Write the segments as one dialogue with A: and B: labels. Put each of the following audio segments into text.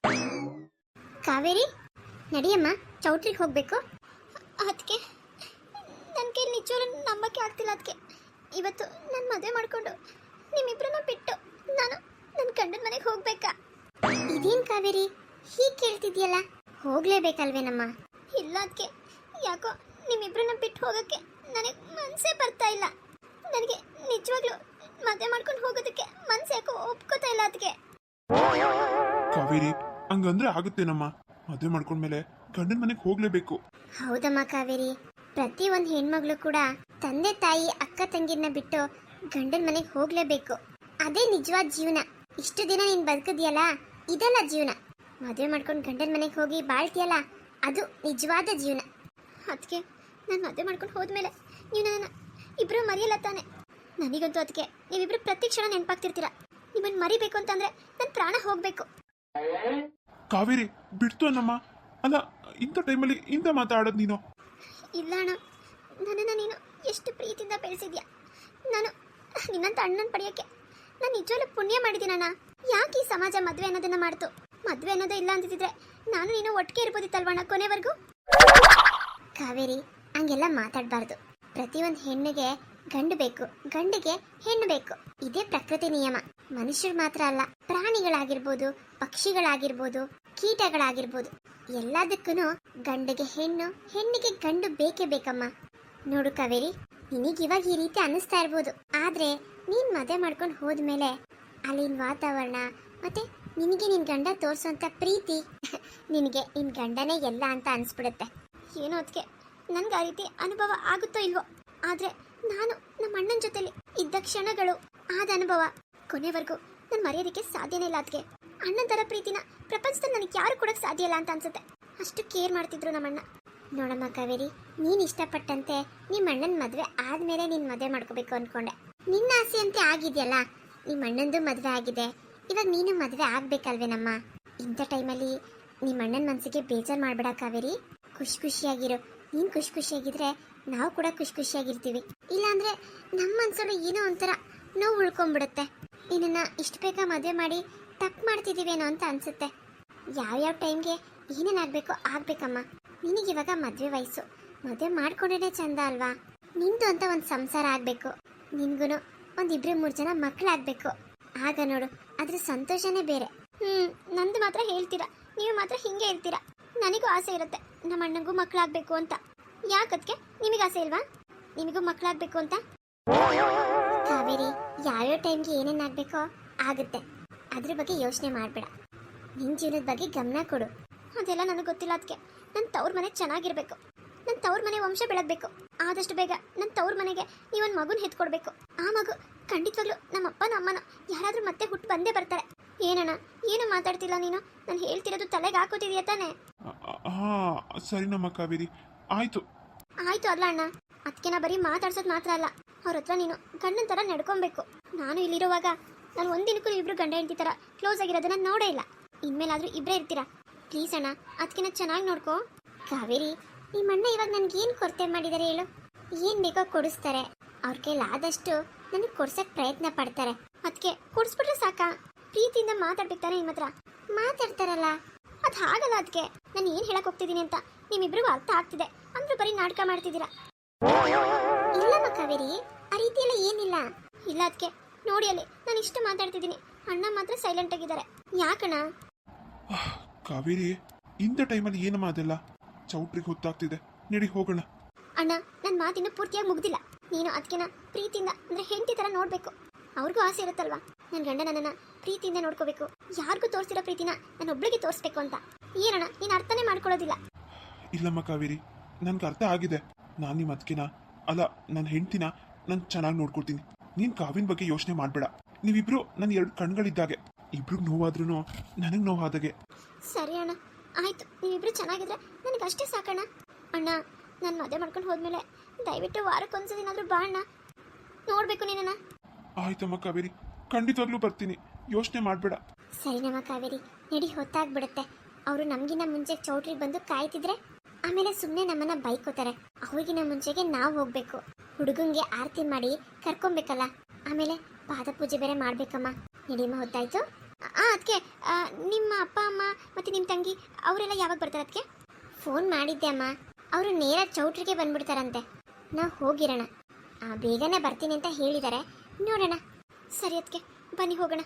A: ಕಾವೇರಿ ನಡಿಯಮ್ಮ, ಚೌಟ್ರಿಗೆ ಹೋಗ್ಬೇಕು. ಅದಕ್ಕೆ ನನ್ನ ಕೈ ನಿಜವೂ ನಂಬಕ್ಕೆ ಆಗ್ತಿಲ್ಲ. ಅದಕ್ಕೆ ಇವತ್ತು ನನ್ನ ಮದುವೆ ಮಾಡಿಕೊಂಡು ನಿಮ್ಮಿಬ್ಬರನ್ನ ಬಿಟ್ಟು ನಾನು ನನ್ನ ಗಂಡನ ಮನೆಗೆ ಹೋಗ್ಬೇಕಾ? ಇದೇನು ಕಾವೇರಿ ಹೀಗೆ ಕೇಳ್ತಿದ್ಯಲ್ಲ? ಹೋಗ್ಲೇಬೇಕಲ್ವೇನಮ್ಮ? ಇಲ್ಲ ಅದಕ್ಕೆ ಯಾಕೋ ನಿಮ್ಮಿಬ್ಬರನ್ನ ಬಿಟ್ಟು ಹೋಗೋಕ್ಕೆ ನನಗೆ ಮನಸ್ಸೇ ಬರ್ತಾ ಇಲ್ಲ. ನನಗೆ ನಿಜವಾಗ್ಲೂ ಮದುವೆ ಮಾಡ್ಕೊಂಡು ಹೋಗೋದಕ್ಕೆ ಮನಸ್ಸು ಯಾಕೋ ಒಪ್ಕೋತಾ ಇಲ್ಲ. ಅದಕ್ಕೆ
B: ಕಾವೇರಿ ಹಂಗಂದ್ರೆ ಆಗುತ್ತೇನಮ್ಮ? ಮದುವೆ ಮಾಡ್ಕೊಂಡ್ಮೇಲೆ ಗಂಡನ ಮನೆಗೆ ಹೋಗ್ಲೇಬೇಕು.
A: ಹೌದಮ್ಮ ಕಾವೇರಿ, ಪ್ರತಿ ಒಂದು ಹೆಣ್ಮಗಳು ಕೂಡ ತಂದೆ ತಾಯಿ ಅಕ್ಕ ತಂಗಿನ ಬಿಟ್ಟು ಗಂಡನ ಮನೆಗೆ ಹೋಗ್ಲೇಬೇಕು. ಅದೇ ನಿಜವಾದ ಜೀವನ. ಇಷ್ಟು ದಿನ ನೀನು ಬದುಕಿದ್ಯಲ್ಲ, ಇದೆಲ್ಲ ಜೀವನ. ಮದುವೆ ಮಾಡ್ಕೊಂಡು ಗಂಡನ ಮನೆಗೆ ಹೋಗಿ ಬಾಳ್ತೀಯಲ್ಲ, ಅದು ನಿಜವಾದ ಜೀವನ. ಅದಕ್ಕೆ ನಾನು ಮದುವೆ ಮಾಡ್ಕೊಂಡು ಹೋದ್ಮೇಲೆ ನೀವು ನನ್ನ ಇಬ್ಬರು ಮರೆಯಲ್ಲ ತಾನೆ? ನನಗಂತೂ ಅದಕ್ಕೆ ನೀವಿಬ್ರು ಪ್ರತಿ ಕ್ಷಣ ನೆನಪಾಗ್ತಿರ್ತೀರ. ನಿಮ್ಮನ್ನು ಮರಿಬೇಕು ಅಂತಂದ್ರೆ ನನ್ನ ಪ್ರಾಣ ಹೋಗ್ಬೇಕು.
B: ಕಾವೇರಿ ಬಿಡ್ತು ಅನ್ನಮ್ಮ. ಅಲ್ಲ, ಇಂಥ ಟೈಮಲ್ಲಿ ಇಂಥ ಮಾತಾಡೋದು ನೀನು?
A: ಇಲ್ಲ ಅಣ್ಣ, ನನ್ನನ್ನು ನೀನು ಎಷ್ಟು ಪ್ರೀತಿಯಿಂದ ಬೆಳೆಸಿದ್ಯಾ. ನಾನು ನಿನ್ನಂತ ಅಣ್ಣನ ಪಡೆಯೋಕ್ಕೆ ನಾನು ನಿಜವಾಗ್ಲೂ ಪುಣ್ಯ ಮಾಡಿದ್ದೀನಣ್ಣ. ಯಾಕೆ ಈ ಸಮಾಜ ಮದುವೆ ಅನ್ನೋದನ್ನ ಮಾಡ್ತು? ಮದುವೆ ಅನ್ನೋದೇ ಇಲ್ಲ ಅಂತಿದ್ರೆ ನಾನು ನೀನು ಒಟ್ಟಿಗೆ ಇರ್ಬೋದಿತ್ತಲ್ವಣ್ಣ ಕೊನೆವರೆಗೂ? ಕಾವೇರಿ ಹಂಗೆಲ್ಲ ಮಾತಾಡಬಾರ್ದು. ಪ್ರತಿಯೊಂದು ಹೆಣ್ಣಿಗೆ ಗಂಡು ಬೇಕು, ಗಂಡಿಗೆ ಹೆಣ್ಣು ಬೇಕು. ಇದೇ ಪ್ರಕೃತಿ ನಿಯಮ. ಮನುಷ್ಯರು ಮಾತ್ರ ಅಲ್ಲ, ಪ್ರಾಣಿಗಳಾಗಿರ್ಬೋದು, ಪಕ್ಷಿಗಳಾಗಿರ್ಬೋದು, ಕೀಟಗಳಾಗಿರ್ಬೋದು, ಎಲ್ಲದಕ್ಕೂ ಗಂಡಿಗೆ ಹೆಣ್ಣು, ಹೆಣ್ಣಿಗೆ ಗಂಡು ಬೇಕೇ ಬೇಕಮ್ಮ. ನೋಡು ಕಾವೇರಿ, ನಿನಗಿವಾಗ ಈ ರೀತಿ ಅನ್ನಿಸ್ತಾ ಇರ್ಬೋದು, ಆದ್ರೆ ನೀನ್ ಮದುವೆ ಮಾಡ್ಕೊಂಡು ಹೋದ್ಮೇಲೆ ಅಲ್ಲಿನ ವಾತಾವರಣ ಮತ್ತೆ ನಿನಗೆ ನಿನ್ ಗಂಡ ತೋರ್ಸೋಂಥ ಪ್ರೀತಿ ನಿನಗೆ ನಿನ್ ಗಂಡನೇ ಎಲ್ಲ ಅಂತ ಅನ್ಸ್ಬಿಡುತ್ತೆ. ಏನೋ ಅದಕ್ಕೆ ನನ್ಗೆ ಆ ರೀತಿ ಅನುಭವ ಆಗುತ್ತೋ ಇಲ್ವೋ, ಆದ್ರೆ ನಾನು ನಮ್ಮ ಅಣ್ಣನ ಜೊತೆಲಿ ಇದ್ದ ಕ್ಷಣಗಳು, ಆದ ಅನುಭವ ಕೊನೆವರೆಗೂ ನಾನು ಮರೆಯೋದಕ್ಕೆ ಸಾಧ್ಯನೇ ಇಲ್ಲ. ಅದಕ್ಕೆ ಅಣ್ಣನ ಥರ ಪ್ರೀತಿನ ಪ್ರಪಂಚದಲ್ಲಿ ನನಗೆ ಯಾರು ಕೊಡೋಕ್ಕೆ ಸಾಧ್ಯ ಇಲ್ಲ ಅಂತ ಅನ್ಸುತ್ತೆ. ಅಷ್ಟು ಕೇರ್ ಮಾಡ್ತಿದ್ರು ನಮ್ಮಣ್ಣ. ನೋಡಮ್ಮ ಕಾವೇರಿ, ನೀನು ಇಷ್ಟಪಟ್ಟಂತೆ ನಿಮ್ಮ ಅಣ್ಣನ ಮದುವೆ ಆದಮೇಲೆ ನೀನು ಮದುವೆ ಮಾಡ್ಕೋಬೇಕು ಅಂದ್ಕೊಂಡೆ. ನಿನ್ನ ಆಸೆ ಅಂತೆ ಆಗಿದೆಯಲ್ಲ, ನಿಮ್ಮ ಅಣ್ಣಂದು ಮದುವೆ ಆಗಿದೆ, ಇವಾಗ ನೀನು ಮದುವೆ ಆಗ್ಬೇಕಲ್ವೇನಮ್ಮ? ಇಂಥ ಟೈಮಲ್ಲಿ ನಿಮ್ಮ ಅಣ್ಣನ ಮನಸ್ಸಿಗೆ ಬೇಜಾರು ಮಾಡಬೇಡ ಕಾವೇರಿ. ಖುಷಿ ಖುಷಿಯಾಗಿರು. ನೀನು ಖುಷಿ ಖುಷಿಯಾಗಿದ್ರೆ ನಾವು ಕೂಡ ಖುಷಿ ಖುಷಿಯಾಗಿರ್ತೀವಿ. ಇಲ್ಲಾಂದ್ರೆ ನಮ್ಮ ಮನಸ್ಸಲ್ಲಿ ಏನೋ ಒಂಥರ ನೋವು ಉಳ್ಕೊಂಡ್ಬಿಡುತ್ತೆ. ನಿನ್ನನ್ನು ಇಷ್ಟು ಬೇಗ ಮದುವೆ ಮಾಡಿ ತಪ್ಪು ಮಾಡ್ತಿದ್ದೀವೇನೋ ಅಂತ ಅನ್ಸುತ್ತೆ. ಯಾವ್ಯಾವ ಟೈಮ್ಗೆ ಏನೇನಾಗಬೇಕೋ ಆಗ್ಬೇಕಮ್ಮ. ನಿನಗಿವಾಗ ಮದುವೆ ವಯಸ್ಸು, ಮದುವೆ ಮಾಡ್ಕೊಂಡ್ರೆ ಚಂದ ಅಲ್ವಾ? ನಿಂದು ಅಂತ ಒಂದು ಸಂಸಾರ ಆಗಬೇಕು, ನಿನ್ಗೂ ಒಂದು 2-3 ಜನ ಮಕ್ಕಳಾಗಬೇಕು. ಆಗ ನೋಡು, ಅದ್ರ ಸಂತೋಷನೇ ಬೇರೆ. ನಂದು ಮಾತ್ರ ಹೇಳ್ತೀರಾ, ನೀವು ಮಾತ್ರ ಹಿಂಗೆ ಇರ್ತೀರಾ. ನನಗೂ ಆಸೆ ಇರುತ್ತೆ ನಮ್ಮ ಅಣ್ಣಂಗೂ ಮಕ್ಕಳಾಗಬೇಕು ಅಂತ. ಯಾಕದ್ಕೆ ನಿಮಗೆ ಆಸೆ ಇಲ್ವಾ ನಿಮಗೂ ಮಕ್ಕಳಾಗಬೇಕು ಅಂತ? ಕಾವೇರಿ, ಯಾವ್ಯಾವ ಟೈಮ್ಗೆ ಏನೇನಾಗಬೇಕೋ ಆಗುತ್ತೆ, ಅದ್ರ ಬಗ್ಗೆ ಯೋಚನೆ ಮಾಡಬೇಡ. ನಿನ್ನ ಜೀವನದ ಬಗ್ಗೆ ಗಮನ ಕೊಡು. ಅದೆಲ್ಲ ನನಗೆ ಗೊತ್ತಿಲ್ಲ. ಅದಕ್ಕೆ ನನ್ನ ತವ್ರ ಮನೆ ಚೆನ್ನಾಗಿರ್ಬೇಕು, ನನ್ನ ತವ್ರ ಮನೆ ವಂಶ ಬೆಳಗಬೇಕು. ಆದಷ್ಟು ಬೇಗ ನನ್ನ ತವ್ರ ಮನೆಗೆ ನೀವೊಂದು ಮಗುನ ಹೆತ್ಕೊಡ್ಬೇಕು. ಆ ಮಗು ಖಂಡಿತವಾಗ್ಲೂ ನಮ್ಮ ಅಪ್ಪನ ಅಮ್ಮನ ಯಾರಾದರೂ ಮತ್ತೆ ಹುಟ್ಟು ಬಂದೇ ಬರ್ತಾರೆ. ಏನಣ್ಣ ಏನು ಮಾತಾಡ್ತಿಲ್ಲ ನೀನು? ನಾನು ಹೇಳ್ತಿರೋದು ತಲೆಗೆ ಹಾಕೋತಿದೀಯ ತಾನೆ?
B: ಸರಿ ನಮ್ಮ ಕಾವೇರಿ, ಆಯ್ತು
A: ಆಯ್ತು ಅಲ್ಲ ಅಣ್ಣ, ಅದಕ್ಕೆ ನಾ ಬರೀ ಮಾತಾಡ್ಸೋದು ಮಾತ್ರ ಅಲ್ಲ, ಅವ್ರ ಹತ್ರ ನೀನು ಗಂಡನ ಥರ ನಡ್ಕೊಬೇಕು. ನಾನು ಇಲ್ಲಿರುವಾಗ ನಾನು ಒಂದಿನಕ್ಕೂ ಇಬ್ರು ಗಂಡ ಹೆಂಡತಿ ಥರ ಕ್ಲೋಸ್ ಆಗಿರೋದನ್ನ ನೋಡೇ ಇಲ್ಲ. ಇನ್ಮೇಲಾದ್ರೂ ಇಬ್ಬರೇ ಇರ್ತೀರಾ ಪ್ಲೀಸ್ ಅಣ್ಣ, ಅದಕ್ಕಿಂತ ಚೆನ್ನಾಗಿ ನೋಡ್ಕೋ. ಕಾವೇರಿ, ನಿಮ್ಮ ಅಣ್ಣ ಇವಾಗ ನನ್ಗೇನು ಕೊರತೆ ಮಾಡಿದ್ದಾರೆ ಹೇಳು? ಏನು ಬೇಕೋ ಕೊಡಿಸ್ತಾರೆ. ಅವ್ರ ಕೈಲಾದಷ್ಟು ನನಗೆ ಕೊಡ್ಸಕ್ಕೆ ಪ್ರಯತ್ನ ಪಡ್ತಾರೆ. ಅದಕ್ಕೆ ಕೊಡಿಸ್ಬಿಟ್ರೆ ಸಾಕಾ? ಪ್ರೀತಿಯಿಂದ ಮಾತಾಡ್ಬೇಕಾರೆ ನಿಮ್ಮ ಹತ್ರ ಮಾತಾಡ್ತಾರಲ್ಲ, ಅದು ಹಾಗಲ್ಲ. ಅದಕ್ಕೆ ನಾನು ಏನು ಹೇಳಕ್ ಹೋಗ್ತಿದ್ದೀನಿ ಅಂತ ನಿಮ್ಮಿಬ್ರಿಗೂ ಅರ್ಥ ಆಗ್ತಿದೆ, ಅಂದ್ರೂ ಬರೀ ನಾಟಕ ಮಾಡ್ತಿದ್ದೀರಾ. ಇಲ್ಲಮ್ಮ ಕಾವೇರಿ, ಆ ರೀತಿ ಎಲ್ಲ ಏನಿಲ್ಲ. ಇಲ್ಲ ಅದಕ್ಕೆ ನೋಡಿ, ಅಲ್ಲಿ ನಾನು ಇಷ್ಟು ಮಾತಾಡ್ತಿದ್ದೀನಿ, ಅಣ್ಣ ಮಾತ್ರ ಸೈಲೆಂಟ್ ಆಗಿದ್ದಾರೆ. ಯಾಕಣ್ಣ?
B: ಕಾವೇರಿ, ಇಂಥ ಟೈಮಲ್ಲಿ ಏನಮ್ಮ ಅದೆಲ್ಲ? ಚೌಟ್ರಿಗೆ ಹೊತ್ತಾಗ್ತಿದೆ, ನಡಿ ಹೋಗೋಣ.
A: ಅಣ್ಣ, ನನ್ನ ಮಾತಿನ್ನು ಪೂರ್ತಿಯಾಗಿ ಮುಗ್ದಿಲ್ಲ. ನೀನು ಅದಕ್ಕೆನ ಪ್ರೀತಿಯಿಂದ ಅಂದ್ರೆ ಹೆಂಡತಿ ಥರ ನೋಡ್ಬೇಕು. ಅವ್ರಿಗೂ ಆಸೆ ಇರುತ್ತಲ್ವಾ, ನನ್ನ ಗಂಡ ನನ್ನನ್ನು ಪ್ರೀತಿಯಿಂದ ನೋಡ್ಕೋಬೇಕು, ಯಾರಿಗೂ ತೋರಿಸಿರೋ ಪ್ರೀತಿನ ನಾನು ಒಬ್ಳಿಗೆ ತೋರಿಸ್ಬೇಕು ಅಂತ. ಏನಣ್ಣ ನೀನು ಅರ್ಥನೇ ಮಾಡ್ಕೊಳ್ಳೋದಿಲ್ಲ.
B: ಇಲ್ಲಮ್ಮ ಕಾವೇರಿ, ನನ್ಗೆ ಅರ್ಥ ಆಗಿದೆ. ನಾನು ನಿಮ್ಮ ಅದಕ್ಕೆನ ಅಲ್ಲ, ನನ್ನ ಹೆಂಡ್ತಿನ ನಾನು ಚೆನ್ನಾಗಿ ನೋಡ್ಕೊಳ್ತೀನಿ. ನೀನು ಕಾವಿನ ಬಗ್ಗೆ ಯೋಚನೆ ಮಾಡಬೇಡ. ನೀವಿಬ್ರು ನನ್ನ 2 ಕಣ್ಗಳಿದ್ದಾಗೆ. ಇಬ್ರಿಗೆ ನೋವಾದ್ರೂ ನನಗೆ ನೋವಾದಾಗೆ.
A: ಸರಿ ಅಣ್ಣ, ಆಯ್ತು. ನೀವಿಬ್ರು ಚೆನ್ನಾಗಿದ್ರೆ ನನಗೆ ಅಷ್ಟೇ ಸಾಕಣ್ಣ. ಅಣ್ಣ, ನಾನು ಮದುವೆ ಮಾಡ್ಕೊಂಡು ಹೋದ್ಮೇಲೆ ದಯವಿಟ್ಟು ವಾರಕ್ಕೊಂದ್ಸದಿನಾದ್ರೂ ಬಾ ಅಣ್ಣ, ನೋಡ್ಬೇಕು ನಿನ್ನ.
B: ಆಯ್ತಮ್ಮ ಕಾವೇರಿ, ಖಂಡಿತವಾಗ್ಲೂ ಬರ್ತೀನಿ, ಯೋಚನೆ ಮಾಡಬೇಡ.
A: ಸರಿ ನಮ್ಮ ಕಾವೇರಿ, ನಡಿ, ಹೊತ್ತಾಗ್ಬಿಡುತ್ತೆ. ಅವರು ನಮಗಿನ್ನ ಮುಂಚೆ ಚೌಟ್ರಿಗೆ ಬಂದು ಕಾಯ್ತಿದ್ರೆ ಆಮೇಲೆ ಸುಮ್ಮನೆ ನಮ್ಮನ್ನ ಬೈಕೋತಾರೆ. ಅವ್ರಿಗಿನ ಮುಂಚೆಗೆ ನಾವು ಹೋಗ್ಬೇಕು. ಹುಡುಗಂಗೆ ಆರತಿ ಮಾಡಿ ಕರ್ಕೊಬೇಕಲ್ಲ, ಆಮೇಲೆ ಪಾದ ಪೂಜೆ ಬೇರೆ ಮಾಡ್ಬೇಕಮ್ಮ. ನಡಿಯಮ್ಮ, ಹೊತ್ತಾಯ್ತು. ಅದಕ್ಕೆ ನಿಮ್ಮ ಅಪ್ಪ ಅಮ್ಮ ಮತ್ತು ನಿಮ್ಮ ತಂಗಿ ಅವರೆಲ್ಲ ಯಾವಾಗ ಬರ್ತಾರೆ ಅದಕ್ಕೆ? ಫೋನ್ ಮಾಡಿದ್ದೆ ಅಮ್ಮ, ಅವರು ನೇರ ಚೌಟ್ರಿಗೆ ಬಂದ್ಬಿಡ್ತಾರಂತೆ. ನಾವು ಹೋಗಿರೋಣ, ಬೇಗನೆ ಬರ್ತೀನಿ ಅಂತ ಹೇಳಿದ್ದಾರೆ. ನೋಡೋಣ. ಸರಿ ಅದಕ್ಕೆ ಬನ್ನಿ ಹೋಗೋಣ.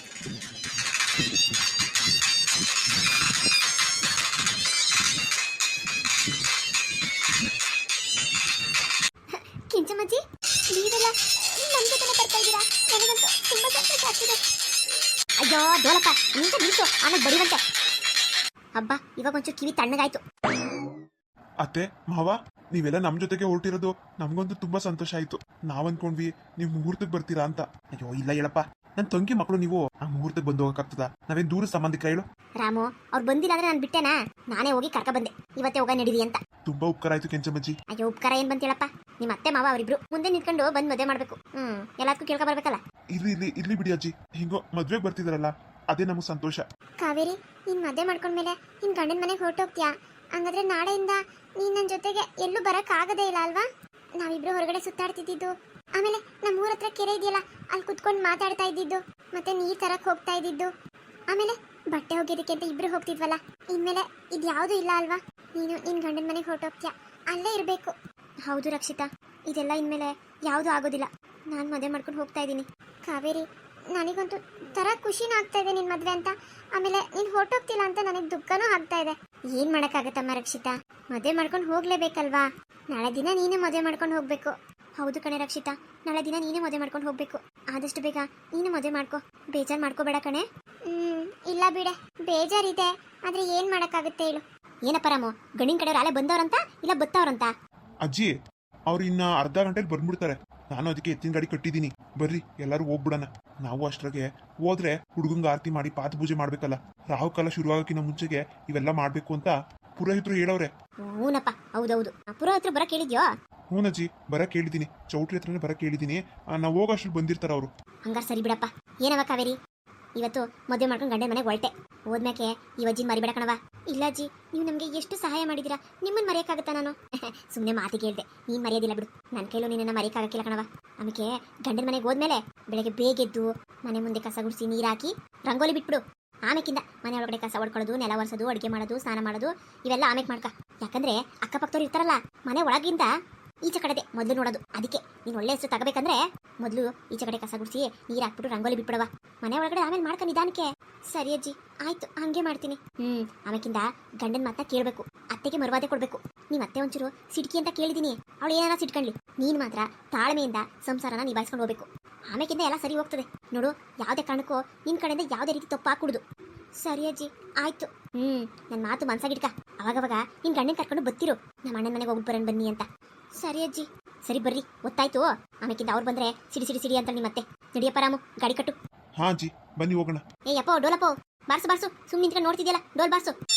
A: ಕಿಂಚಮ್ಮಜ್ಜಿ, ನೀವೆಲ್ಲ ನಮ್ಮ ಜೊತೆನೇ ಬರ್ತಾ ಇದ್ದೀರಾ? ನನಗಂತೂ ತುಂಬ ಸಂತೋಷ ಆಗ್ತಿದೆ. ಅಯ್ಯೋ ಡೋಲಪ್ಪ, ನಿಂತ ನಿಲ್ಸು, ಆಮೇಲೆ ಬಡಿವಂತೆ. ಹಬ್ಬ, ಇವಾಗ ಒಂಚೂರು ಕಿವಿ ತಣ್ಣಗಾಯ್ತು.
B: ಅತ್ತೆ ಮಾವ, ನೀವೆಲ್ಲ ನಮ್ ಜೊತೆಗೆ ಹೊರಟಿರೋದು ನಮ್ಗಂತೂ ತುಂಬಾ ಸಂತೋಷ ಆಯ್ತು. ನಾವ್ ಅನ್ಕೊಂಡ್ವಿ ನೀವು ಮುಹೂರ್ತಕ್ಕೆ ಬರ್ತೀರಾ ಅಂತ. ಅಯ್ಯೋ ಇಲ್ಲ ಹೇಳಪ್ಪ, ನನ್ ತಂಗಿ ಮಕ್ಕಳು ನೀವು ಆ ಮುಹೂರ್ತಕ್ಕೆ ಬಂದು ಹೋಗಕ್ಕಾಗ್ತದ? ನಾವೇನ್ ದೂರ ಸಂಬಂಧಿಕರ ಹೇಳು?
A: ರಾಮು, ಅವ್ರು ಬಂದಿಲ್ಲ ಅಂದ್ರೆ ನಾನು ಬಿಟ್ಟೆನಾ? ನಾನೇ ಹೋಗಿ ಕರ್ಕ ಬಂದೆ, ಇವತ್ತೇ ಹೋಗ ನಡೀರಿ ಅಂತ.
B: ತುಂಬಾ ಉಪಕಾರ ಆಯ್ತು ಕೆಂಚಮ್ಮಜ್ಜಿ.
A: ಅಯ್ಯೋ ಉಪಕಾರ ಏನ್ ಬಂತೇಳಪ್ಪ, ನಿಮ್ಮ ಅತ್ತೆ ಮಾವ ಅವರಿಬ್ರು ಮುಂದೆ ನಿಂತ್ಕೊಂಡು ಬಂದ್ ಮದುವೆ ಮಾಡ್ಬೇಕು. ಎಲ್ಲದಕ್ಕೂ ಕೇಳ್ಕೊ ಬರ್ಬೇಕಲ್ಲ.
B: ಇರ್ಲಿ ಬಿಡಿ ಅಜ್ಜಿ, ಹಿಂಗೋ ಮದ್ವೆಗೆ ಬರ್ತಿದಾರಲ್ಲ ಅದೇ ನಮಗ್ ಸಂತೋಷ.
A: ಕಾವೇರಿ, ನೀನ್ ಮದುವೆ ಮಾಡ್ಕೊಂಡ್ಮೇಲೆ ನಿನ್ ಗಂಡನ ಮನೆಗೆ ಹೊರಟೋಗ್ತೀಯಾ? ಹಂಗಾದ್ರೆ ನಾಳೆಯಿಂದ ನೀನ್ ನನ್ನ ಜೊತೆಗೆ ಎಲ್ಲೂ ಬರಕ್ ಆಗದೇ ಇಲ್ಲ ಅಲ್ವಾ? ನಾವಿಬ್ರು ಹೊರಗಡೆ ಸುತ್ತಾಡ್ತಿದ್ದು, ಆಮೇಲೆ ನಮ್ಮ ಊರ ಹತ್ರ ಕೆರೆ ಇದೆಯಲ್ಲ, ಅಲ್ಲಿ ಕುತ್ಕೊಂಡು ಮಾತಾಡ್ತಾ ಇದ್ದಿದ್ದು, ಮತ್ತೆ ನೀರ್ ತರಕ್ ಹೋಗ್ತಾ ಇದ್ದಿದ್ದು, ಆಮೇಲೆ ಬಟ್ಟೆ ಒಗೆಯೋದಕ್ಕೆ ಅಂತ ಇಬ್ರು ಹೋಗ್ತಿದ್ವಲ್ಲ, ಇನ್ಮೇಲೆ ಇದ್ಯಾವುದೂ ಇಲ್ಲ ಅಲ್ವಾ? ನೀನು ನಿನ್ ಗಂಡನ ಮನೆಗೆ ಹೊರಟೋಗ್ತೀಯಾ, ಅಲ್ಲೇ ಇರಬೇಕು. ಹೌದು ರಕ್ಷಿತಾ, ಇದೆಲ್ಲ ಇನ್ಮೇಲೆ ಯಾವುದು ಆಗೋದಿಲ್ಲ. ನಾನು ಮದುವೆ ಮಾಡ್ಕೊಂಡು ಹೋಗ್ತಾ ಇದ್ದೀನಿ. ಕಾವೇರಿ, ನನಗಂತೂ ತರ ಖುಷಿನೂ ಆಗ್ತಾ ಇದೆ ನಿನ್ ಮದ್ವೆ ಅಂತ, ಆಮೇಲೆ ನೀನ್ ಹೊರಟೋಗ್ತಿಲ್ಲ ಅಂತ ನನಗೆ ದುಃಖನೂ ಆಗ್ತಾ ಇದೆ. ಏನ್ ಮಾಡಕ್ಕಾಗತ್ತಮ್ಮ ರಕ್ಷಿತಾ, ಮದುವೆ ಮಾಡ್ಕೊಂಡು ಹೋಗ್ಲೇಬೇಕಲ್ವಾ? ನಾಳೆ ದಿನ ನೀನೇ ಮದುವೆ ಮಾಡ್ಕೊಂಡು ಹೋಗ್ಬೇಕು. ಹೌದು ಕಣೆ ರಕ್ಷಿತಾ, ನಾಳೆ ದಿನ ನೀನೇ ಮದುವೆ ಮಾಡ್ಕೊಂಡು ಹೋಗ್ಬೇಕು. ಆದಷ್ಟು ಬೇಗ ನೀನು ಮದುವೆ ಮಾಡ್ಕೊ, ಬೇಜಾರು ಮಾಡ್ಕೋಬೇಡ ಕಣೆ. ಇಲ್ಲ ಬಿಡೆ, ಬೇಜಾರಿದೆ, ಆದ್ರೆ ಏನ್ ಮಾಡಕ್ಕಾಗುತ್ತೆ ಹೇಳು? ಏನಪ್ಪ ರಾಮು, ಗಂಡಿನ ಕಡೆ ಅಲ್ಲೇ ಬಂದವ್ರಂತ ಇಲ್ಲ ಬತ್ತವ್ರಂತ?
B: ಅಜ್ಜಿ, ಅವ್ರು ಇನ್ನ ಅರ್ಧ ಗಂಟೆಲಿ ಬಂದ್ಬಿಡ್ತಾರೆ. ನಾನು ಅದಕ್ಕೆ ಎತ್ತಿನ ಗಾಡಿ ಕಟ್ಟಿದ್ದೀನಿ. ಬರ್ರಿ ಎಲ್ಲರೂ ಹೋಗ್ಬಿಡಣ. ನಾವು ಅಷ್ಟ್ರಾಗೆ ಹೋದ್ರೆ ಹುಡುಗಂಗ ಆರತಿ ಮಾಡಿ ಪಾದ ಪೂಜೆ ಮಾಡ್ಬೇಕಲ್ಲ. ರಾಹುಕಾಲ ಶುರುವಾಗಕ್ಕಿಂತ ಮುಂಚೆಗೆ ಇವೆಲ್ಲ ಮಾಡ್ಬೇಕು ಅಂತ ಪುರೋಹಿತರು ಹೇಳವ್ರೆ.
A: ಹೂನಪ್ಪ, ಹೌದೌದು. ಪುರೋಹಿತರು ಬರಕ್ ಹೇಳಿದ್ಯೋ?
B: ಹೂನಜ್ಜಿ, ಬರಕ್ ಹೇಳಿದೀನಿ. ಚೌಟ್ರಿ ಹತ್ರನೇ ಬರಕ್ ಹೇಳಿದೀನಿ. ನಾವು ಹೋಗೋಷ್ಟ್ರಲ್ಲಿ ಬಂದಿರ್ತಾರ ಅವರು.
A: ಹಂಗಾರೆ ಸರಿ ಬಿಡಪ್ಪ. ಏನವ ಕಾವೇರಿ, ಇವತ್ತು ಮದುವೆ ಮಾಡ್ಕೊಂಡು ಗಂಡನ ಮನೆಗೆ ಹೊರಟೆ. ಹೋದ್ಮ್ಯಾಕೆ ಈ ಅಜ್ಜಿನ ಮರಿಬೇಡ ಕಣವ. ಇಲ್ಲ ಅಜ್ಜಿ, ನೀವು ನಮಗೆ ಎಷ್ಟು ಸಹಾಯ ಮಾಡಿದ್ದೀರಾ, ನಿಮ್ಮನ್ನು ಮರೆಯೋಕ್ಕಾಗತ್ತಾ ನಾನು? ಸುಮ್ಮನೆ ಮಾತಿಗೆ ಹೇಳ್ದೆ, ನೀನು ಮರೆಯೋದಿಲ್ಲ ಬಿಡು. ನನ್ನ ಕೈಲೂ ನಿನ್ನನ್ನು ಮರೆಯೋಕ್ಕಾಗಕ್ಕಿಲ್ಲ ಕಣವ. ಆಮೇಲೆ ಗಂಡನ ಮನೆಗೆ ಹೋದ್ಮೇಲೆ ಬೆಳಗ್ಗೆ ಬೇಗ ಎದ್ದು ಮನೆ ಮುಂದೆ ಕಸ ಗುಡಿಸಿ ನೀರು ಹಾಕಿ ರಂಗೋಲಿ ಬಿಟ್ಬಿಡು. ಆಮೇಕಿಂದ ಮನೆ ಒಳಗಡೆ ಕಸ ಹೊಡ್ಕೊಳ್ಳೋದು, ನೆಲ ಒರೆಸೋದು, ಅಡುಗೆ ಮಾಡೋದು, ಸ್ನಾನ ಮಾಡೋದು ಇವೆಲ್ಲ ಆಮೇಲೆ ಮಾಡ್ಕ. ಯಾಕಂದ್ರೆ ಅಕ್ಕಪಕ್ಕದವ್ರು ಇರ್ತಾರಲ್ಲ, ಮನೆ ಒಳಗಿಂದ ಈಚೆ ಕಡೆದೆ ಮೊದಲು ನೋಡೋದು. ಅದಕ್ಕೆ ನೀನು ಒಳ್ಳೆ ಹೆಸರು ತಗೋಬೇಕಂದ್ರೆ ಮೊದಲು ಈಚೆ ಕಡೆ ಕಸ ಗುಡಿಸಿ ನೀರು ಹಾಕ್ಬಿಟ್ಟು ರಂಗೋಲಿ ಬಿಟ್ಬಿಡವ. ಮನೆ ಒಳಗಡೆ ಆಮೇಲೆ ಮಾಡ್ಕ ನಿಧಾನಕ್ಕೆ. ಸರಿ ಅಜ್ಜಿ, ಆಯ್ತು, ಹಂಗೆ ಮಾಡ್ತೀನಿ. ಆಮೇಕಿಂದ ಗಂಡನ ಮಾತನ್ನ ಕೇಳಬೇಕು, ಅತ್ತೆಗೆ ಮರುವಾದೆ ಕೊಡಬೇಕು. ನಿಮ್ಮ ಅತ್ತೆ ಒಂಚೂರು ಸಿಡ್ಕಿ ಅಂತ ಕೇಳಿದೀನಿ, ಅವಳು ಏನಾರ ಸಿಟ್ಕೊಳ್ಳಿ. ನೀನು ಮಾತ್ರ ತಾಳ್ಮೆಯಿಂದ ಸಂಸಾರನ ನಿಭಾಯಿಸ್ಕೊಂಡು ಹೋಗ್ಬೇಕು. ಆಮೇಕಿಂದ ಎಲ್ಲ ಸರಿ ಹೋಗ್ತದೆ ನೋಡು. ಯಾವುದೇ ಕಾರಣಕ್ಕೂ ನಿನ್ನ ಕಡೆಯಿಂದ ಯಾವುದೇ ರೀತಿ ತಪ್ಪು ಹಾಕೂಡುದು. ಸರಿ ಅಜ್ಜಿ, ಆಯ್ತು. ನನ್ನ ಮಾತು ಮನ್ಸಾಗಿಡ್ಕ. ಅವಾಗವಾಗ ನಿನ್ನ ಗಂಡನ ಕರ್ಕೊಂಡು ಬತ್ತಿರು, ನಮ್ಮ ಅಣ್ಣನ ಮನೆಗೆ ಹೋಗ್ಬಿಟ್ಟು ಬರೋಣ ಬನ್ನಿ ಅಂತ. ಸರಿ ಅಜ್ಜಿ. ಸರಿ ಬರ್ರಿ, ಗೊತ್ತಾಯ್ತು. ಆಮೇಕಿಂದ ಅವ್ರು ಬಂದ್ರೆ ಸಿಡಿ ಸಿಡಿ ಸಿಡಿ ಅಂತ ನಿಮ್ಮತ್ತೆ. ನಡಿಯಪ್ಪ ರಾಮು, ಗಾಡಿ ಕಟ್ಟು.
B: ಹಾ ಅಜ್ಜಿ, ಬನ್ನಿ ಹೋಗೋಣ.
A: ಏಯಪ್ಪ ಡೋಲಪ್ಪ, ಬಾರ್ಸು ಬಾರ್ಸು, ಸುಮ್ಮನೆ ನಿಂತ್ಕೊಂಡು ನೋಡ್ತಿದ್ಯಲ್ಲ, ಡೋಲ್ ಬಾರ್ಸು.